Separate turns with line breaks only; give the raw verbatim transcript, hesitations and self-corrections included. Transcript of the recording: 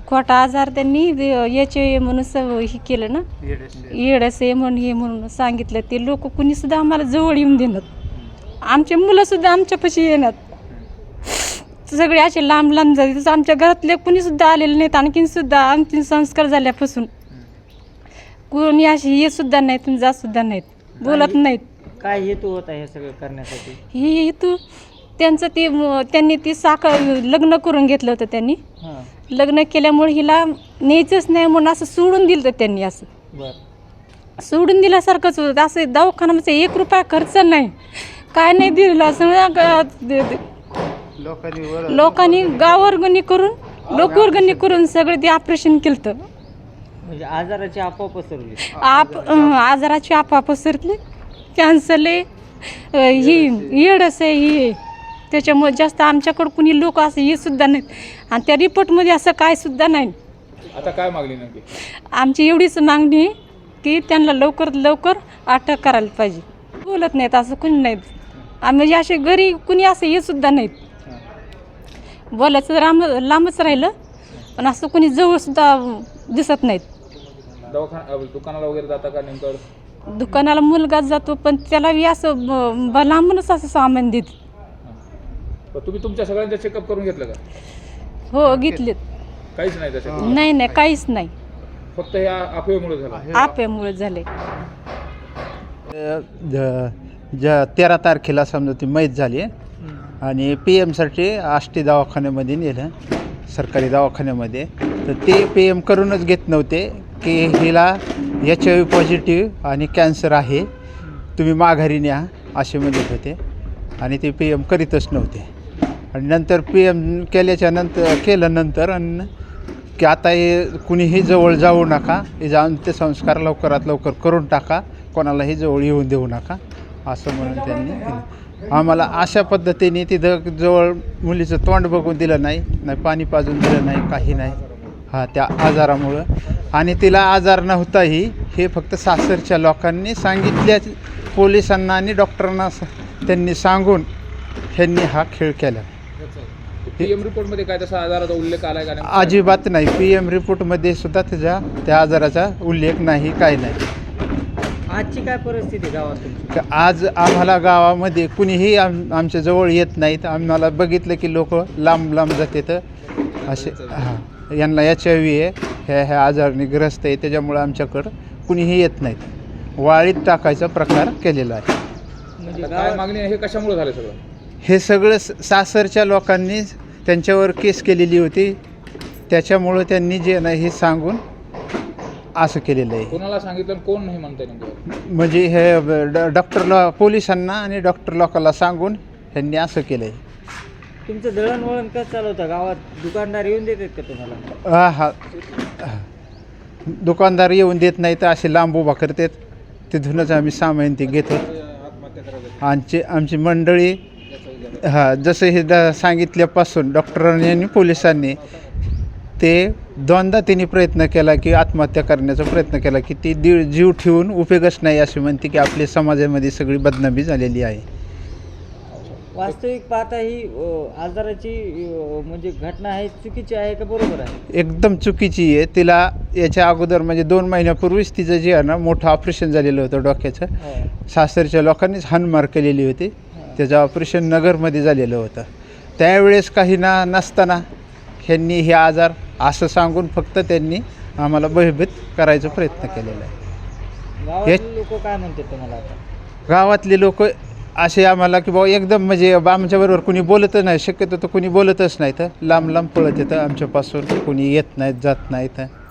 खोटा आजार त्यांनी याचे म्हणून स हे केलं ना, येडस आहे म्हणून हे म्हणून सांगितलं. ते लोक कुणीसुद्धा आम्हाला जवळ येऊन देणार, आमचे मुलंसुद्धा आमच्यापाशी येणार, सगळे असे लांब लांब जाते. आमच्या घरातले कुणीसुद्धा आलेले नाहीत. आणखीनसुद्धा आमचे संस्कार झाल्यापासून कोणी असे ये सुद्धा नाहीत, जात सुद्धा नाहीत, बोलत नाहीत.
काय हेतू होता हे सगळं करण्यासाठी?
हे हेतू त्यांचं ते त्यांनी ती साखर लग्न करून घेतलं होतं. त्यांनी लग्न केल्यामुळे हिला न्यायचंच नाही म्हणून असं सोडून दिलं होतं त्यांनी. असं सोडून दिल्यासारखंच होतं. असं दवाखान्यामध्ये एक रुपया खर्च नाही, काय नाही दिलेलं. असं लोकांनी गाववर्गणी करून लोकवर्गणी करून सगळे ते ऑपरेशन केलं होतं.
म्हणजे आजाराची अफवा पसरली.
आप आजाराची अफवा पसरली. कॅन्सरले ही येडस आहे ही, त्याच्यामुळे जास्त आमच्याकडं कुणी लोक असं हे सुद्धा नाहीत. आणि त्या रिपोर्टमध्ये असं काय सुद्धा नाही.
आता काय मागणी नक्की?
आमची एवढीच मागणी आहे की त्यांना लवकरात लवकर अटक करायला पाहिजे. बोलत नाहीत असं कुणी नाहीत. आणि म्हणजे असे घरी कुणी असं हे सुद्धा नाहीत. बोलायचं लांब लांबच राहिलं, पण असं कुणी जवळसुद्धा दिसत नाहीत.
दवाखाना दुकानाला वगैरे जाता का नेमकं?
दुकानाला मुलगाच जातो, पण त्याला असं ब लांबूनच असं सामान देत.
तुम्ही तुमच्या सगळ्यांचं चेकअप करून घेतलं का?
हो घेतलेत.
काहीच नाही तसं?
नाही नाही काहीच नाही,
फक्त ह्या अफवेमुळे झालं.
अफवेमुळे झाले.
ज्या तेरा तारखेला समजा ती मैत झाली आणि पी एमसाठी आष्टी दवाखान्यामध्ये नेलं, सरकारी दवाखान्यामध्ये. तर ते पी एम करूनच घेत नव्हते की हिला एच आय व्ही पॉझिटिव्ह आणि कॅन्सर आहे, तुम्ही माघारी न्या असे म्हणत होते. आणि ते पी एम करीतच नव्हते. आणि नंतर पी एम केल्याच्या नंतर केलं नंतर आणि की आता हे कुणीही जवळ जाऊ नका, हे जाऊन ते संस्कार लवकरात लवकर करून टाका, कोणालाही जवळ येऊन देऊ नका असं म्हणून त्यांनी केलं. आम्हाला अशा पद्धतीने तिथं जवळ मुलीचं तोंड बघून दिलं नाही, नाही पाणी पाजून दिलं नाही, काही नाही. हा त्या आजारामुळं. आणि तिला आजार नव्हताही हे फक्त सासरच्या लोकांनी सांगितल्या, पोलिसांना आणि डॉक्टरांना त्यांनी सांगून ह्यांनी हा खेळ केला.
पी एम रिपोर्टमध्ये काय तसा आजाराचा उल्लेख आला आहे का?
अजिबात नाही. पी एम रिपोर्टमध्ये सुद्धा त्याच्या त्या आजाराचा उल्लेख नाही, काही नाही.
आजची काय परिस्थिती गावात?
आज आम्हाला गावामध्ये कुणीही आम आमच्या जवळ येत नाहीत. आम्हाला बघितलं की लोक लांब लांब जातात असे. हां, यांना एच आय व्ही आहे, ह्या ह्या आजाराने ग्रस्त आहे, त्याच्यामुळं आमच्याकडं कुणीही येत नाहीत. वाळीत टाकायचा प्रकार केलेला आहे.
म्हणजे
काय मागणी आहे? हे कशामुळे झालं सगळं?
हे सगळं सासरच्या लोकांनी त्यांच्यावर केस केलेली होती, त्याच्यामुळं त्यांनी जे नाही हे सांगून असं केलेलं आहे.
कोणाला सांगितलं, कोण नाही म्हणताय नेमकं?
म्हणजे हे ड डॉक्टरला, पोलिसांना आणि डॉक्टर लोकांना सांगून ह्यांनी असं केलं आहे.
तुमचं दळणवळण कसं चालवतं गावात? दुकानदार येऊन देतात का तुम्हाला?
हा हा दुकानदार येऊन देत नाही तर असे लांब उभा करतात, तिथूनच आम्ही सामान ते घेतो. आमची आमची मंडळी हां जसं हे द सांगितल्यापासून डॉक्टरांनी आणि पोलिसांनी ते दोनदा त्यांनी प्रयत्न केला की आत्महत्या करण्याचा प्रयत्न केला की ती दीड जीव ठेवून उपयोगच नाही असे म्हणते की आपल्या समाजामध्ये सगळी बदनामी झालेली आहे.
वास्तविक पाहता ही आजाराची म्हणजे घटना आहे चुकीची आहे का बरोबर आहे?
एकदम चुकीची आहे. तिला याच्या अगोदर म्हणजे दोन महिन्यापूर्वीच तिचं जे आहे ना मोठं ऑपरेशन झालेलं होतं डोक्याचं. सासरच्या लोकांनीच हाणमार केलेली होती. त्याचं ऑपरेशन नगरमध्ये झालेलं होतं. त्यावेळेस काही ना नसताना ह्यांनी हे आजार असं सांगून फक्त त्यांनी आम्हाला भयभीत करायचा प्रयत्न केलेला आहे.
गावातले लोक काय म्हणतात तुम्हाला? आता
गावातले लोक असे आम्हाला की बाबा एकदम म्हणजे आमच्याबरोबर कुणी बोलतच नाही, शक्यतो तर कुणी बोलतच नाही, तर लांब लांब पळत येतं आमच्यापासून, कुणी येत नाहीत, जात नाहीत.